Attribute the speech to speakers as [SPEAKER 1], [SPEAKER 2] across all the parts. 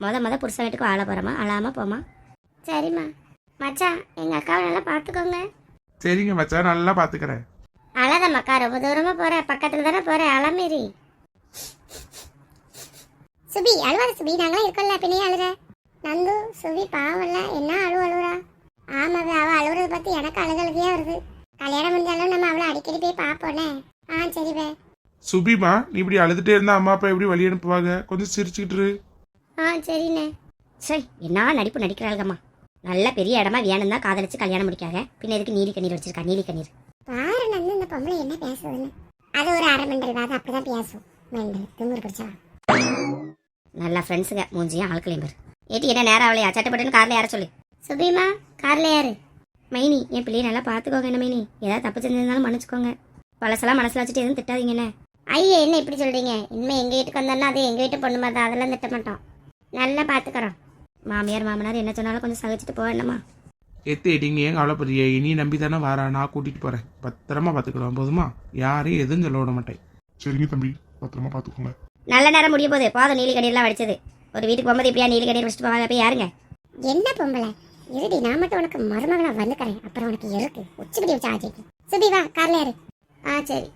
[SPEAKER 1] முத புருஷன் வீட்டுக்கு வாழ போகிறோமா, அழாமல் போமா. சரிம்மா. மச்சான் எங்கள் அக்காவை நல்லா பார்த்துக்கோங்க.
[SPEAKER 2] சரிங்க மச்சான், நல்லா பார்த்துக்கிறேன்.
[SPEAKER 1] அழாத மக்கா, ரொம்ப தூரமாக போகிறேன், பக்கத்தில் தானே போகிறேன், அழமேரி. சுபி அழுவாத சுபி, நாங்களாம் இருக்கோம்ல, பின்னையே அழுற. நந்து சுபி பாவம்ல, என்ன அழுவுறா? ஆமாவே, அவள் அழுவுறதை பார்த்து எனக்கு அழுகழுகையா வருது. கல்யாணம் முடிஞ்சாலும் நம்ம அவளை அடிக்கடி போய் பார்ப்போனே. சரிவே.
[SPEAKER 2] சுபிமா, நீ இப்படி அழுதுட்டே இருந்தா அம்மா அப்பா எப்படி வழி அனுப்புவாங்க? கொஞ்சம் சிரிச்சுக்கிட்டு.
[SPEAKER 1] சரிண்ணே. சரி, என்ன நடிப்பு நடிக்கிறாள்கம்மா. நல்ல பெரிய இடமா வேணும் தான் காதலிச்சு கல்யாணம் முடிக்காக, பின்ன எதுக்கு நீலி கண்ணீர் வச்சிருக்கா? நீலி கண்ணீர் பாரு நந்து, இந்த பொம்பளை என்ன பேசுதுன்னு. அது ஒரு அரை மெண்டல் வாது, அப்படிதான் பேசும். மெண்டல் திமுரு பிடிச்சா. நல்லா ஃப்ரெண்ட்ஸுங்க, மூஞ்சியும் ஆட்களையும் பேர். ஏட்டி என்ன நேரம் அவளையா? சட்டப்பட்டுன்னு காரில் யார சொல்லு. சுபிமா காரில் யாரு? மைனி, என் பிள்ளையை நல்லா பார்த்துக்கோங்க. என்ன மைனி, ஏதாவது தப்பு செஞ்சிருந்தாலும் மன்னிச்சுக்கோங்க. பழசெல்லாம் மனசில் வச்சுட்டு எதுவும் திட்டாதீங்கண்ணே. ஐயா என்ன இப்படி சொல்கிறீங்க? இனிமேல் எங்கள் வீட்டுக்கு வந்தோன்னா அது எங்கள் வீட்டு பொண்ணு மாதிரி, அதெல்லாம் திட்ட மாட்டோம். நல்லா பார்த்துக்கிறோம். மாமியார் மாமனார் என்ன சொன்னாலும் கொஞ்சம் சகிச்சுட்டு போக வேண்டாமா?
[SPEAKER 2] எத்தேடிங்க, ஏன் கவலைப்படுறிய? இனி நம்பி தானே வாரா, நான் கூட்டிகிட்டு போகிறேன். பத்திரமா பார்த்துக்கிடுவோம் போதுமா? யாரையும் எதுவும் சொல்ல விட மாட்டேன்.
[SPEAKER 3] சரிங்க தம்பி, பத்திரமா பார்த்துக்கோங்க.
[SPEAKER 1] நல்ல நேரம் முடிய போகுது, போதும் நீலி கண்ணீர்லாம் வடிச்சது. ஒரு வீட்டுக்கு போகும்போது இப்படியா நீலி கண்ணீர் வச்சுட்டு போவாங்க? போய் யாருங்க? என்ன பொம்பளை இருடி, நான் மட்டும் உனக்கு மருமகளா வந்துக்கிறேன், அப்புறம் உனக்கு இருக்கு உச்சிப்படி வச்சு ஆச்சு. சுபி வா, கார்ல யாரு? சரி.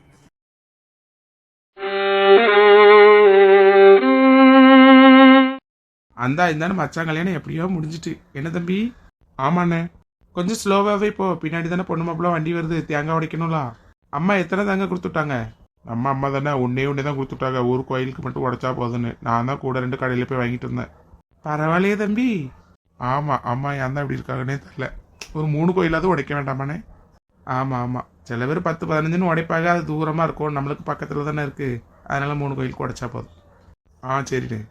[SPEAKER 2] அந்த இந்தானே மச்சான் கல்யாணம் எப்படியோ முடிஞ்சிட்டு. என்ன தம்பி? ஆமாண்ணே, கொஞ்சம் ஸ்லோவாகவே போ, பின்னாடி தானே பொண்ணு மாப்பிள்ள வண்டி வருது, தேங்காய் உடைக்கணும்ல. அம்மா எத்தனை தேங்காய் கொடுத்துட்டாங்க? அம்மா தானே ஒன்னே தான் கொடுத்துட்டாங்க, ஒரு கோயிலுக்கு மட்டும் உடைச்சா போதுன்னு. நான் தான் கூட 2 கடையில் போய் வாங்கிட்டு இருந்தேன். பரவாயில்லையே தம்பி. ஆமாம், அம்மா ஏன் தான் இப்படி இருக்காங்கன்னே தெரியல. ஒரு 3 கோயிலாவது உடைக்க வேண்டாமாண்ணே? ஆமாம், சில பேர் 10-15ன்னு உடைப்பாங்க, அது தூரமாக இருக்கும், நம்மளுக்கு பக்கத்தில் தானே இருக்குது, அதனால 3 கோயிலுக்கு உடைச்சா போதும். சரிண்ணே.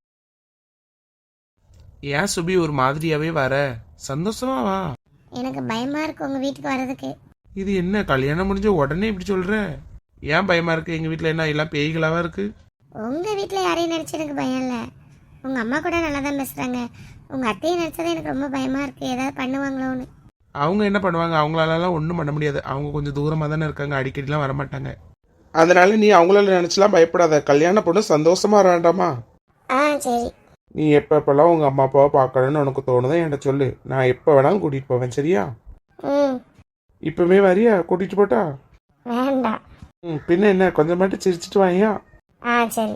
[SPEAKER 2] ஏன் சுபி ஒரு மாதிரியாவே வர? சந்தோஷமா வா.
[SPEAKER 1] எனக்கு பயமா இருக்கு உங்க வீட்டுக்கு வர்றதுக்கு.
[SPEAKER 2] இது என்ன கல்யாணம் முடிஞ்ச உடனே இப்படி சொல்ற? ஏன் பயமா இருக்கு? எங்க வீட்டுல என்ன எல்லாம் பேய்களாவா இருக்கு?
[SPEAKER 1] உங்க வீட்டுல யாரையும் நினைச்சு எனக்கு பயம் இல்ல. உங்க அம்மா கூட நல்லா தான் பேசுறாங்க. உங்க அத்தையை நினைச்சதான் எனக்கு ரொம்ப பயமா இருக்கு, ஏதாவது பண்ணுவாங்களோன்னு.
[SPEAKER 2] அவங்க என்ன பண்ணுவாங்க? அவங்களால ஒன்றும் பண்ண முடியாது, அவங்க கொஞ்சம் தூரமாக தானே இருக்காங்க, அடிக்கடிலாம் வரமாட்டாங்க. அதனால நீ அவங்களால நினைச்சலாம் பயப்படாத. கல்யாண பொண்ணு சந்தோஷமா வேண்டாமா?
[SPEAKER 1] சரி.
[SPEAKER 2] நீ எப்பப்பெல்லாம் உங்க அம்மா அப்பாவை பார்க்கணும்னு உனக்கு தோணுதோ என்கிட்ட சொல்லு, நான் எப்போ வேணாலும் கூட்டிட்டு போவேன். சரியா? இப்பவே வரியா? கூட்டிட்டு போட்டா?
[SPEAKER 1] வேண்டாம்.
[SPEAKER 2] பின்ன என்ன, கொஞ்சம் மட்டும் சிரிச்சிட்டு வாயா.
[SPEAKER 1] சரி.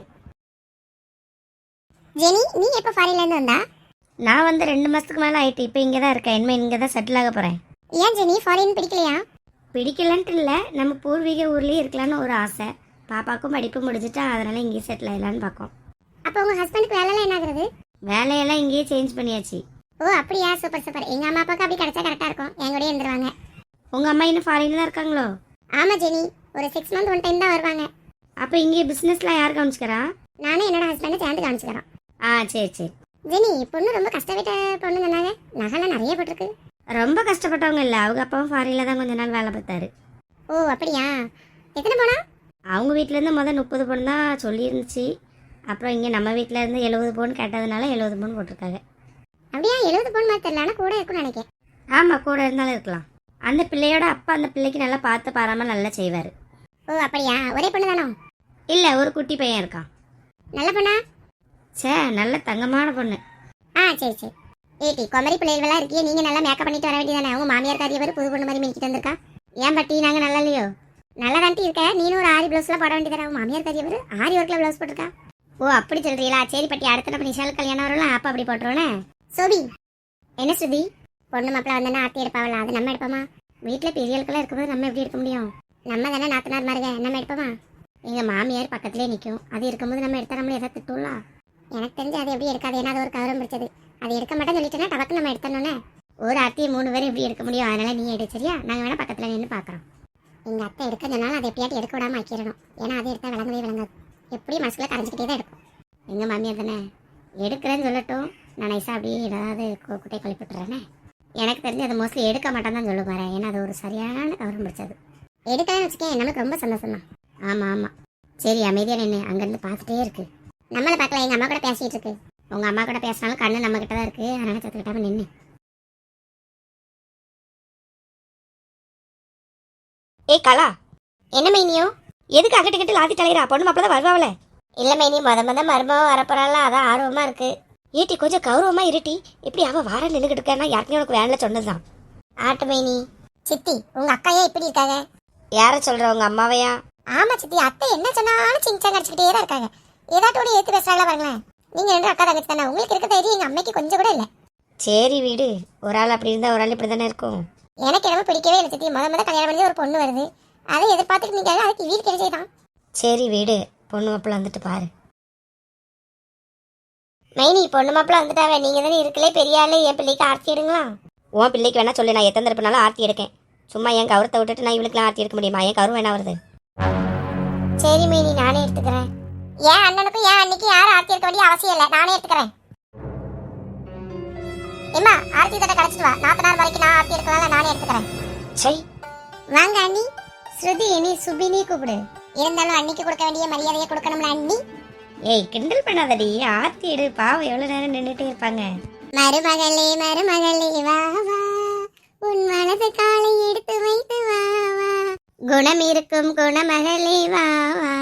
[SPEAKER 1] ஜெனி, நீ எப்போ ஃபாரின்ல இருந்து வந்தா? நான் வந்து 2 மாசத்துக்கு மேல ஆயிட்டு. இப்போ இங்கே தான் இருக்கேன், இனிமே இங்கே தான் செட்டில் ஆக போறேன். ஏன் ஜெனி, ஃபாரின் பிடிக்கலையா? பிடிக்கலன்ட்டு இல்லை, நம்ம பூர்வீக ஊர்லேயே இருக்கலான்னு ஒரு ஆசை. பாப்பாக்கும் படிப்பு முடிஞ்சிட்டா, அதனால இங்கேயே செட்டில் ஆகலான்னு பார்க்கோம். அப்போ உங்க ஹஸ்பண்டுக்கு வேலையெல்லாம் என்ன ஆகுறது? வேலையெல்லாம் இங்கேயே சேஞ்ச் பண்ணியாச்சு. அப்படியா? Super super. எங்க அம்மா அப்பாவுக்கு அப்படி கிடைச்சா கரெக்டா இருக்கும், என் கூட இருந்துருவாங்க. உங்க அம்மா இன்னும் ஃபாரின்ல தான் இருக்காங்களோ? ஆமா ஜெனி, ஒரு 6 மந்த் 1 டைம் தான் வருவாங்க. அப்போ இங்கே பிசினஸ்லாம் யார் கவனிச்சுக்கிறா? நானும் என்னோட ஹஸ்பண்ட் சேர்ந்து கவனிச்சுக்கிறோம். சரி. ஜெனி, பொண்ணு ரொம்ப கஷ்டப்பட்ட பொண்ணு சொன்னாங்க, நகைலாம் நிறைய போட்டிருக்கு. ரொம்ப கஷ்டப்பட்டவங்க இல்லை, அவங்க அப்பாவும் ஃபாரின்ல தான் கொஞ்ச நாள் வேலை பார்த்தாரு. அப்படியா? எத்தனை போனா? அவங்க வீட்டிலேருந்து முதல் 30 பவுன் தான் சொல்லியிருந்துச்சு. அப்புறம் இங்கே நம்ம வீட்டில் இருந்து 70 பவுன் கேட்டதுனால 70 பவுன் போட்டிருக்காங்க. அப்படியா? 70 பவுன் மாதிரி தெரியல, ஆனால் கூட இருக்குன்னு நினைக்கிறேன். ஆமாம், கூட இருந்தாலும் இருக்கலாம். அந்த பிள்ளையோட அப்பா அந்த பிள்ளைக்கு நல்லா பார்த்து பாராமல் நல்லா செய்வார். அப்படியா? ஒரே பொண்ணு தானோ? இல்லை, ஒரு குட்டி பையன் இருக்கான். நல்ல பொண்ணா? நல்ல தங்கமான பொண்ணு. சரி. ஏட்டி, குமரி பிள்ளைகளெல்லாம் இருக்கியே, நீங்கள் நல்லா மேக்கப் பண்ணிட்டு வர வேண்டியதானே? அவங்க மாமியார் காரியவர் புது பொண்ணு மாதிரி மினிக்கிட்டு வந்திருக்கா. ஏன் பட்டி, நாங்கள் நல்லா இல்லையோ? நல்லா தாண்டி இருக்க. நீனும் ஒரு ஆரி ப்ளவுஸ்லாம் போட வேண்டியதானே? அவங்க மாமியார் காரியவர் ஆரி ஒர்க்கில் ப்ளவுஸ் போட்டிருக்கா. அப்படி சொல்றீங்களா? சரி பட்டி, அடுத்த நம்ம நிஷால் கல்யாணம் வரும்ல, அப்போ அப்படி போட்டுருவோனே. சோபி, என்ன சுதி? பொண்ணு மாப்பிள்ள வந்தோன்னா ஆர்த்தி எடுப்பாவல, அது நம்ம எடுப்போமா? வீட்டில் பெரியல்கெல்லாம் இருக்கும்போது நம்ம எப்படி எடுக்க முடியும்? நம்ம தானே நாத்தனார் மாருக, நம்ம எடுப்போமா? எங்கள் மாமியார் பக்கத்துலேயே நிற்கும், அது இருக்கும்போது நம்ம எடுத்தா நம்மள எதாவது திட்டும்ல. எனக்கு தெரிஞ்சு அது எப்படி எடுக்காது, ஏன்னா அது ஒரு கவரம் பிடிச்சது. அது எடுக்க மாட்டேன்னு சொல்லிட்டேன்னா டபக்கு நம்ம எடுத்தோன்னே ஒரு அத்தையை 3 பேரும் எப்படி எடுக்க முடியும்? அதனால நீ எடு, சரியா? நாங்கள் வேணா பக்கத்தில் நின்று பார்க்குறோம். எங்கள் அத்தை எடுக்கிறதுனால அதை எப்படியாட்டி எடுக்க விடாமல் ஆக்கிடணும், ஏன்னா அதை எடுத்தால் விளங்கவே விளங்காது, எப்படியும் மனசுல கரைஞ்சிக்கிட்டே தான் இருக்கும். எங்கள் மாமியார் தானே எடுக்கிறேன்னு சொல்லட்டும், நான் நைஸாக அப்படியே ஏதாவது குட்டையை கழிப்பிட்டுறேனே. எனக்கு தெரிஞ்சு அதை மோஸ்ட்லி எடுக்க மாட்டேன்னு தான் சொல்ல போகிறேன், ஏன்னா அது ஒரு சரியான கவரம் பிடிச்சது. எடுக்கலன்னு வச்சுக்கேன், நமக்கு ரொம்ப சந்தோஷம் தான். ஆமாம். சரி, அமைதியாக நின்று அங்கேருந்து பார்த்துட்டே இருக்கு. நம்மளை பார்க்கல, எங்கள் அம்மா கூட பேசிகிட்டு இருக்கு. உங்கள் அம்மா கூட பேசினாலும் கண்ணு நம்மக்கிட்ட தான் இருக்குது, அதனால் சத்துக்கிட்டாமல் நின்று. கலா, என்ன மைனியோ? எதுக்கு அகட்டு லாத்தி தலையிறா? பொண்ணு மாப்பிள்ள தான் வருவாவில. இல்லை மைனி, மருமகம் வரப்போறாள், அதான் ஆர்வமாக இருக்குது. ஏட்டி கொஞ்சம் கௌரவமா இருட்டி. இப்படி அவ வார நின்றுகிட்டு இருக்கான்னா யாருக்குமே உனக்கு வேன்ல சொன்னதுதான். ஆட்டுமைனி சித்தி, உங்க அக்காயே இப்படி இருக்காங்க. யார சொல்ற, உங்க அம்மாவையா? ஆமா சித்தி, அத்தை என்ன சொன்னாலும் சிங்சாங்க அடிச்சுக்கிட்டே தான் இருக்காங்க. ஏதாட்டோட ஏத்து பேசுறாங்களா பாருங்களேன். நீங்க ரெண்டு அக்கா தங்கச்சி தானே, உங்களுக்கு இருக்க தைரியம் எங்க அம்மைக்கு கொஞ்சம் கூட இல்ல. சரி வீடு, ஒரு ஆள் அப்படி இருந்தா ஒரு ஆள் இப்படி தானே இருக்கும். எனக்கு என்னமோ பிடிக்கவே இல்லை சித்தி. முத கல்யாணம் பண்ணி ஒரு பொண்ணு வருது, அதை எதிர்பார்த்துட்டு நீங்க அதுக்கு வீடு கிடைச்சதான். சரி வீடு, பொண்ணு மாப்பிள்ள வந்துட்டு பாரு. மைனி, பொண்ணு மாப்பிள்ள வந்துட்டாவே. நீங்க தானே இருக்கலே பெரிய ஆளு, என் பிள்ளைக்கு ஆர்த்தி எடுங்களா? உன் பிள்ளைக்கு வேணா சொல்லு, நான் எத்தனை தரப்புனாலும் ஆர்த்தி எடுக்கேன். சும்மா என் கௌரவத்தை விட்டுட்டு நான் இவளுக்குலாம் ஆர்த்தி எடுக்க முடியுமா? என் கௌரவம் என்ன வருது? சரி மைனி, நானே எடுத்துக்கிறேன். ஏன் அண்ணனுக்கும் ஏன் அன்னைக்கு யாரும் ஆர்த்தி எடுக்க வேண்டிய அவசியம் இல்லை, நானே எடுத்துக்கிறேன். எம்மா, ஆர்த்தி தட்டை கடைச்சிட்டு வா. 4 நாள் வரைக்கும் நான் ஆர்த்தி எடுக்கலாம், நானே எடுத்துக்கிறேன். சரி வாங்க அண்ணி. ஸ்ருதி, நீ சுபினி கூப்பிடு. இருந்தாலும் அன்னைக்கு கொடுக்க வேண்டிய மரியாதையை கொடுக்கணும்ல அண்ணி. ஏய், கிண்டல் பண்ணாதடி, ஆர்த்தி எடு. பாவம் எவ்வளவு நேரம் நின்றுட்டே இருப்பாங்க. மருமகளே மருமகளே வா வா, உன் மனது காலை எடுத்து வைத்து வா வா, குணம் இருக்கும் குணமகளே வா வா.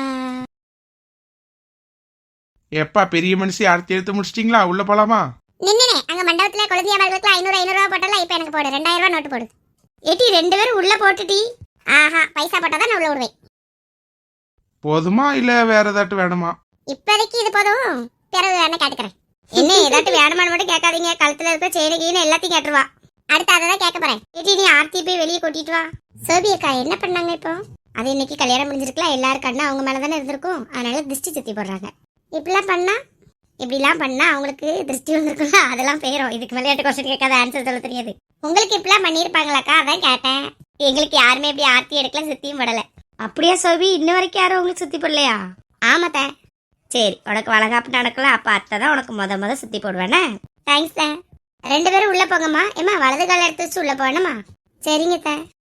[SPEAKER 2] எப்பா பெரிய மனுஷி ஆர்த்தி எடுத்து முடிச்சிட்டீங்களா? உள்ள போலாமா?
[SPEAKER 1] நின்னே அங்க மண்டபத்துல குழந்தையாளர்களுக்கு 500 ரூபா போட்டல. இப்ப எனக்கு போடு, 2000 ரூபா நோட்டு போடு. ஏட்டி 2 பேரும் உள்ள போட்டுட்டி. ஆஹா, பைசா போட்டாதான் நான் உள்ள விடுவேன்.
[SPEAKER 2] போதுமா இல்ல வேற ஏதாட்டும் வேணுமா?
[SPEAKER 1] இப்போதைக்கு இது போதும், பிறகு வேணா கேட்டுக்கிறேன். என்ன ஏதாட்டும் வேணுமான்னு மட்டும் கேட்காதீங்க. கழுத்துல இருக்க செயினுக்கு எல்லாத்தையும் கேட்டுருவா. அடுத்து அதை தான் கேட்க போறேன். ஏட்டி நீ ஆர்த்தி போய் வெளியே கூட்டிட்டு வா. சோபி அக்கா என்ன பண்ணாங்க இப்போ? அது இன்னைக்கு கல்யாணம் முடிஞ்சிருக்கலாம், எல்லாரும் கண்ணா அவங்க மேலதானே இருந்திருக்கும். அதனால திருஷ்டி சுத்தி போடுறாங்க. இப்படிலாம் பண்ணா அவங்களுக்கு திருஷ்டி வந்திருக்கும்ல, அதெல்லாம் போயிடும். இதுக்கு விளையாட்டு கொஸ்டின் கேட்காத, ஆன்சர் சொல்ல தெரியாது. உங்களுக்கு இப்படிலாம் பண்ணியிருப்பாங்களாக்கா, அதான் கேட்டேன். எங்களுக்கு யாருமே இப்படி ஆர்த்தி எடுக்கல, சுத்தியும் போடல. அப்படியா சோபி? இன்ன வரைக்கும் யாரும் உங்களுக்கு சுத்தி போடலையா? ஆமாத்த. சரி, உனக்கு வளகாப்பு நடக்கல, அப்ப அத்தை தான் உனக்கு முத சுத்தி போடுவேனே. தேங்க்ஸ் த. 2 பேரும் உள்ள போங்கம்மா. ஏமா வலது கால எடுத்து வச்சு உள்ள போனமா? சரிங்க த.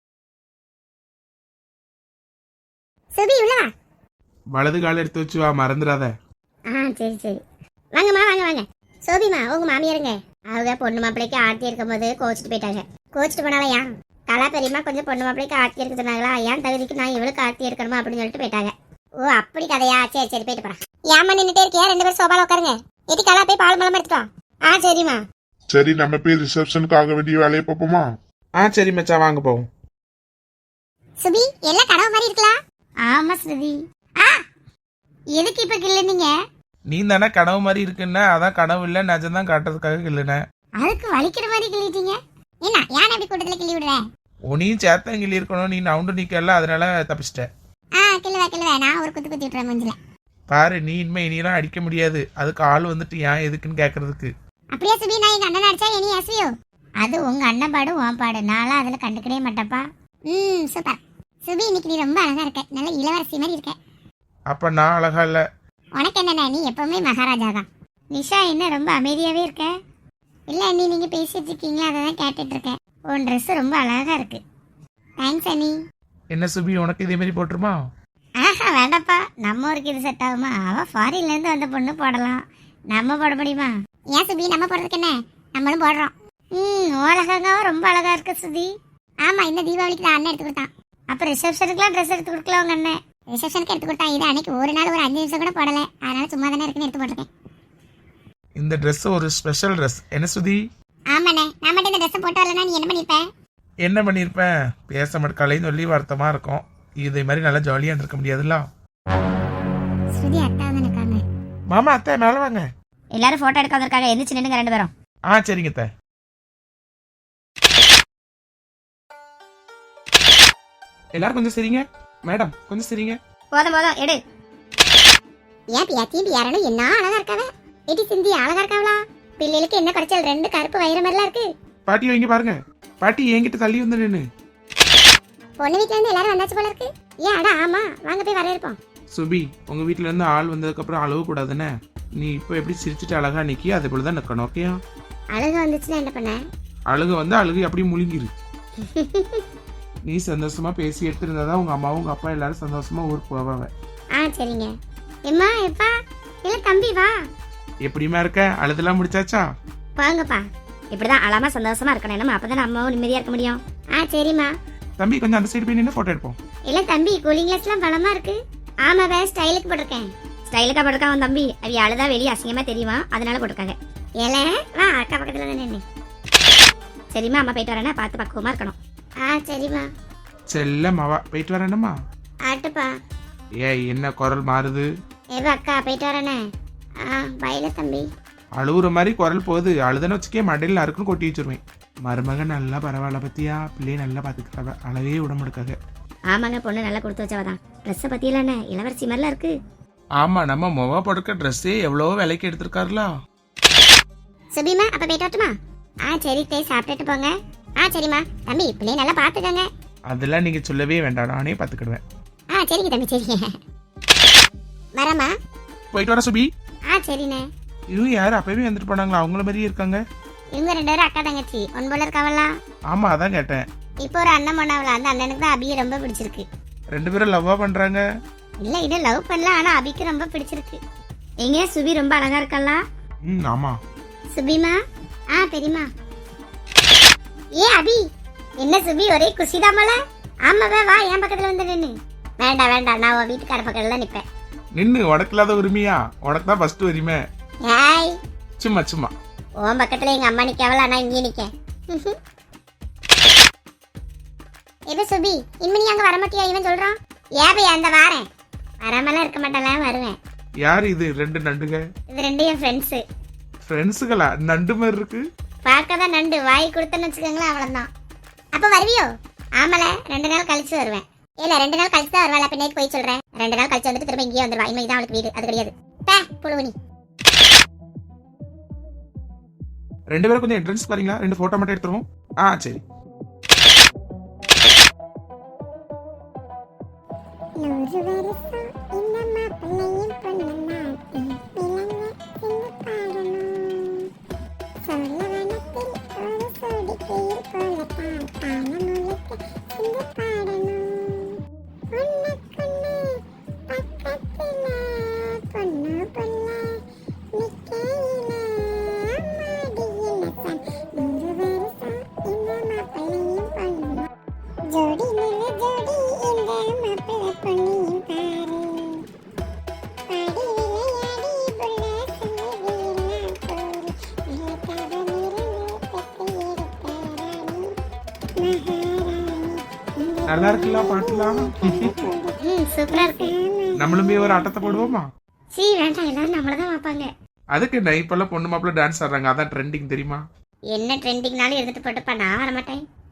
[SPEAKER 1] சோபி உள்ள வா.
[SPEAKER 2] வலது கால எடுத்து வச்சு வா, மறந்துடாத.
[SPEAKER 1] சரி வாங்கம்மா, வாங்க. சோபிமா, உங்க மாமியாருங்க அவங்க பொண்ணு மாப்பிள்ளைக்கு ஆர்த்தி இருக்கும் போது கோச்சிட்டு போயிட்டாங்க. கோச்சிட்டு போனாலயா? கலா பெரியமா கொஞ்சம் பொண்ணு மாப்பிள்ளைக்கு ஆர்த்தி எடுக்க சொன்னாங்களா, ஏன் தகுதிக்கு நான் இவளுக்கு ஆர்த்தி எடுக்கணுமா அப்படின்னு சொல்லிட்டு போயிட்டாங்க. ஓ அப்படி கதையா? சரி போயிட்டு போறேன். ஏமா நின்னுட்டே இருக்கியா? 2 பேரும் சோபால உட்காருங்க. ஏட்டி கலா போய் பால் மலம் எடுத்துட்டு வா. சரிம்மா.
[SPEAKER 3] சரி, நம்ம போய் ரிசப்ஷனுக்கு ஆக வேண்டிய வேலையை பார்ப்போமா?
[SPEAKER 2] சரி மச்சா, வாங்க போவோம்.
[SPEAKER 1] சுபி, எல்லாம் கனவு மாதிரி இருக்கலாம். ஆமா ஸ்ருதி. எதுக்கு இப்ப கிள்ளுனீங்க?
[SPEAKER 2] நீ தானே கனவு மாதிரி இருக்குன்னா, அதான் கனவு இல்ல நிஜம்தான் காட்டுறதுக்காக இல்லைன்னு.
[SPEAKER 1] அதுக்கு வலிக்கிற மாதிரி கிள்ளிட்டீங்க. என்ன யானை அப்படி கூட்டத்துல கிள்ளி விடுற?
[SPEAKER 2] உனியும் சேர்த்தன் கிள்ளி இருக்கணும், நீ நவுண்டு நிக்கல, அதனால தப்பிச்சிட்ட.
[SPEAKER 1] கிள்ளுவா, நான் ஒரு குத்து விட்டுறேன் மஞ்சள.
[SPEAKER 2] பாரு, நீ இனிமே இனியெல்லாம் அடிக்க முடியாது. அதுக்கு ஆள் வந்துட்டு ஏன் எதுக்குன்னு கேக்குறதுக்கு.
[SPEAKER 1] அப்படியே சுபி, நான் எங்க அண்ணன் அடிச்சா இனி எஸ்வியோ? அது உங்க அண்ணன் பாடு, உன் பாடு. நான்லாம் அதுல கண்டுக்கவே மாட்டப்பா. சூப்பர் சுபி, இன்னைக்கு நீ ரொம்ப அழகா இருக்க, நல்ல இளவரசி மாதிரி இருக்க.
[SPEAKER 2] அப்ப நான் அழகா இல்ல?
[SPEAKER 1] உனக்கு என்னண்ணா, நீ எப்பவுமே மகாராஜா தான். நிஷா என்ன ரொம்ப அமைதியாவே இருக்க? இல்ல அண்ணி, நீங்க பேசிட்டு இருக்கீங்களா, அதை தான் கேட்டுட்டு இருக்கேன். உன் ட்ரெஸ் ரொம்ப அழகா இருக்கு. தேங்க்ஸ் அண்ணி.
[SPEAKER 2] என்ன சுபி, உனக்கு இதே மாதிரி போட்டுருமா?
[SPEAKER 1] வேண்டாப்பா, நம்ம ஊருக்கு இது செட் ஆகுமா? அவ ஃபாரின்ல இருந்து வந்த பொண்ணு போடலாம், நம்ம போட முடியுமா? ஏன் சுபி, நம்ம போடுறதுக்கு என்ன, நம்மளும் போடுறோம். ஓலகாவும் ரொம்ப அழகா இருக்கு சுபி. ஆமா, இந்த தீபாவளிக்கு தான் அண்ணன் எடுத்து கொடுத்தான். அப்ப ரிசப்ஷனுக்குலாம் ட்ரெஸ் எடுத்து கொடுக்கல உங்க அண்ணன்? ரிசப்ஷனுக்கு எடுத்து கொடுத்தா, இது அன்னைக்கு ஒரு நாள் ஒரு 5 நிமிஷம் கூட போடல, அதனால சும்மா தானே இருக்குன்னு எடுத்து போட்டிருக்கேன்.
[SPEAKER 2] இந்த ட்ரெஸ் ஒரு ஸ்பெஷல் ட்ரெஸ். என்ன சுதி?
[SPEAKER 1] ஆமாண்ணே, நான் மட்டும் இந்த ட்ரெஸ் போட்டு வரலன்னா நீ என்ன பண்ணிருப்பேன்?
[SPEAKER 2] என்ன பண்ணிருப்பேன்? பேச மாட்டேன்னு சொல்லி வருத்தமா இருக்கும். இதே மாதிரி நல்லா ஜாலியா இருக்க முடியாதுல்ல.
[SPEAKER 1] ஸ்ருதி அத்தா வந்து நிக்காங்க.
[SPEAKER 2] மாமா, அத்தை மேல வாங்க.
[SPEAKER 1] எல்லாரும் போட்டோ எடுக்க வந்திருக்காங்க, எந்திரிச்சு நின்னுங்க 2 பேரும்.
[SPEAKER 2] சரிங்க அத்தை. எல்லாரும் கொஞ்சம் சரிங்க. மேடம் கொஞ்சம் சரிங்க.
[SPEAKER 1] போதும் எடு. ஏன் பியாத்தியும் பியாரனும் என்ன அழகா இருக்காவ. எடி சிந்தி அழகா இருக்காவளா? பிள்ளைகளுக்கு என்ன குறைச்சல்? 2 கருப்பு வயிறு மாதிரிலாம் இருக்கு.
[SPEAKER 2] பாட்டி வைங்க பாருங்க. பாட்டி என்கிட்ட தள்ளி வந்து நின்னு.
[SPEAKER 1] பொண்ணு வீட்ல இருந்து எல்லாரும் வந்தாச்சு போல இருக்கு. ஏன் அடா, ஆமா வாங்க போய் வரவேற்போம்.
[SPEAKER 2] சுபி, உங்க வீட்ல இருந்து ஆள் வந்ததுக்கு அப்புறம் அழுவ கூடாதுன்னு. நீ இப்போ எப்படி சிரிச்சுட்டு அழகா நிக்கி, அதே போலதான் நிக்கணும். ஓகேயா?
[SPEAKER 1] அழுக வந்துச்சுன்னா என்ன பண்ண?
[SPEAKER 2] அழுக வந்து அழுகு அப்படியே முழுங்கிரு. நீ சந்தோஷமா பேசி எடுத்திருந்தாதான் உங்க அம்மாவும் உங்க அப்பா எல்லாரும் சந்தோஷமா ஊருக்கு போவாங்க.
[SPEAKER 1] சரிங்க. எம்மா எப்பா இல்ல தம்பி வா.
[SPEAKER 2] எப்படிமா இருக்க? அழுதெல்லாம் முடிச்சாச்சா?
[SPEAKER 1] வாங்கப்பா. இப்படிதான் அழாம சந்தோஷமா இருக்கணும், நம்ம அப்பதான் அம்மாவும் நிம்மதியா இருக்க முடியும். சரிம்மா.
[SPEAKER 2] தம்பி கொஞ்சம் அந்த சைடு போய் நின்று போட்டோ எடுப்போம்.
[SPEAKER 1] இல்ல தம்பி, கூலிங் கிளாஸ் எல்லாம் பலமா இருக்கு. ஆமாவே, ஸ்டைலுக்கு போட்டிருக்கேன். ஸ்டைலுக்கா போட்டிருக்கான் உன் தம்பி. அவ அழுதா வெளியே அசிங்கமா தெரியுமா, அதனால போட்டிருக்காங்க. ஏல வா அக்கா பக்கத்துல தான் நின்று. சரிம்மா அம்மா போயிட்டு வரேன்னா பார்த்து பக்குவமா இருக்கணும். சரிம்மா.
[SPEAKER 2] செல்லம்மாவா போயிட்டு வரேனம்மா.
[SPEAKER 1] ஆட்டுப்பா.
[SPEAKER 2] என்ன குரல் மாறுது?
[SPEAKER 1] ஏவா அக்கா போயிட்டு வரேனே. பையில தம்பி.
[SPEAKER 2] அழுகுற மாதிரி குரல் போகுது. அழுதுன்னு வச்சுக்கே மண்டையில் நறுக்குன்னு கொட்டி வச்சிருவேன். மருமகன் நல்லா பரவாயில்ல பத்தியா, பிள்ளைய நல்லா பாத்துக்கிறாங்க, அளவே உடம்பெடுக்காக.
[SPEAKER 1] ஆமாங்க பொண்ணு நல்லா கொடுத்து வச்சவதான். ட்ரெஸ்ஸை பத்தியில இளவரசி மாதிரிலாம் இருக்கு.
[SPEAKER 2] ஆமா, நம்ம முக படுக்க ட்ரெஸ்ஸே எவ்வளவோ விலைக்கு எடுத்திருக்காருலா.
[SPEAKER 1] சுபிமா அப்ப போயிட்டு வரட்டுமா? சரி தேய் சாப்பிட்டுட்டு போங்க. சரிம்மா. தம்பி பிள்ளைய நல்லா பாத்துக்கங்க.
[SPEAKER 2] அதெல்லாம் நீங்க சொல்லவே வேண்டாம், நானே பாத்துக்கிடுவேன்.
[SPEAKER 1] சரிங்க தம்பி சரிங்க. வரமா?
[SPEAKER 2] போயிட்டு வர சுபி.
[SPEAKER 1] சரிண்ணே.
[SPEAKER 2] இவங்க யாரு அப்பவே வந்துட்டு போனாங்களா? அவங்கள மாதிரியே இருக்காங்க.
[SPEAKER 1] இவங்க 2 பேரும் அக்கா தங்கச்சி. ஒன் போல இருக்காவலாம்.
[SPEAKER 2] ஆமா, அதான் கேட்டேன்.
[SPEAKER 1] இப்போ ஒரு அண்ணன் பண்ணாவல. அந்த அண்ணனுக்கு தான் அபியை ரொம்ப பிடிச்சிருக்கு.
[SPEAKER 2] 2 பேரும் லவ்வா பண்றாங்க.
[SPEAKER 1] இல்ல இது லவ் பண்ணல, ஆனா அபிக்கு ரொம்ப பிடிச்சிருக்கு. எங்க சுபி ரொம்ப அழகா இருக்கல்ல?
[SPEAKER 2] ஆமா.
[SPEAKER 1] சுபிமா. பெரியமா. அபி என்ன சுபி ஒரே குஷிதாமல? ஆமாவே வா என் பக்கத்துல வந்து நின்னு. வேண்டாம் வேண்டாம், நான் உன் வீட்டுக்கார பக்கத்துல தான் நிப்பேன்.
[SPEAKER 2] நின்னு உனக்கு இல்லாத உரிமையா? உனக்கு தான் ஃபர்ஸ்ட் உரிமை.
[SPEAKER 1] ஏய்
[SPEAKER 2] சும்மா சும்மா.
[SPEAKER 1] உன் பக்கத்துல எங்க அம்மா நிக்கவல, ஆனா இங்கே நிக்க. எது சுபி இம்மி நீ அங்க வர மாட்டியா? இவன் சொல்றான். ஏபி அந்த வாரேன். வராமலாம் இருக்க மாட்டேன்ல, வருவேன்.
[SPEAKER 2] யார் இது 2 நண்டுங்க?
[SPEAKER 1] இது 2 என் ஃப்ரெண்ட்ஸ்.
[SPEAKER 2] ஃப்ரெண்ட்ஸுகளா? நண்டு மாதிரி இருக்கு.
[SPEAKER 1] பார்க்கதான் நண்டு, வாய் கொடுத்தேன்னு வச்சுக்கோங்களேன் அவ்வளவுதான். அப்ப வருவியோ? ஆமல 2 நாள் கழிச்சு வருவேன். இல்ல 2 நாள் கழிச்சு தான் வருவாள். பின்னாடி போய் சொல்றேன். 2 நாள் கழிச்சு வந்துட்டு திரும்ப இங்கே வந்துருவா. இனிமே தான் அவளுக்கு வீடு, அது கிடையாது. புழுவனி.
[SPEAKER 2] 2 பேரும் கொஞ்சம் என்ட்ரன்ஸ் பாருங்களா? 2 போட்டோ மட்டும் எடுத்துருவோம். சரி. நல்லா இருக்குல்ல பாட்டுலாம்?
[SPEAKER 1] சூப்பரா இருக்கு.
[SPEAKER 2] நம்மளும் போய் ஒரு ஆட்டத்தை போடுவோமா?
[SPEAKER 1] வேண்டாம், எல்லாரும் நம்மளதான் பார்ப்பாங்க.
[SPEAKER 2] அதுக்கு இப்பெல்லாம் பொண்ணு மாப்பிள்ள டான்ஸ் ஆடுறாங்க, அதான் ட்ரெண்டிங் தெரியுமா?
[SPEAKER 1] என்ன ட்ரெண்டிங்னாலும் எடுத்துட்டு போட்டுப்பா, நான் வர மாட்டேன்.